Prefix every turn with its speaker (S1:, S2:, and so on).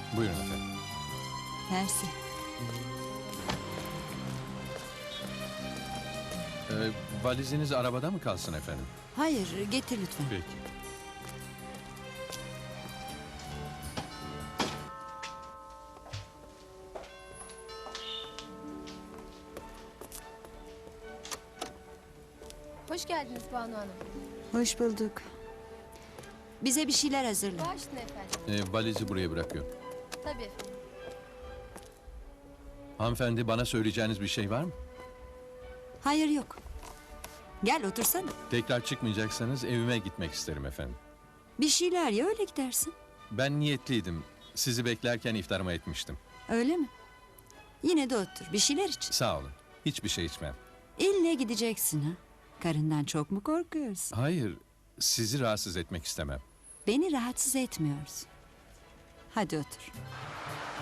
S1: Buyurun efendim.
S2: Mersi.
S1: Valiziniz arabada mı kalsın efendim?
S2: Hayır, getir lütfen.
S1: Peki.
S3: Hoş geldiniz Banu Hanım.
S2: Hoş bulduk. Bize bir şeyler hazırla.
S3: Başüstüne efendim.
S1: Valizi buraya bırakıyorum.
S3: Tabii.
S1: Hanımefendi, bana söyleyeceğiniz bir şey var mı?
S2: Hayır, yok. Gel otursana.
S1: Tekrar çıkmayacaksanız evime gitmek isterim efendim.
S2: Bir şeyler ye, öyle gidersin.
S1: Ben niyetliydim. Sizi beklerken iftarıma etmiştim.
S2: Öyle mi? Yine de otur, bir şeyler iç.
S1: Sağ olun. Hiçbir şey içmem.
S2: İlle gideceksin ha. Karından çok mu korkuyorsun?
S1: Hayır, sizi rahatsız etmek istemem.
S2: Beni rahatsız etmiyorsun. Hadi otur.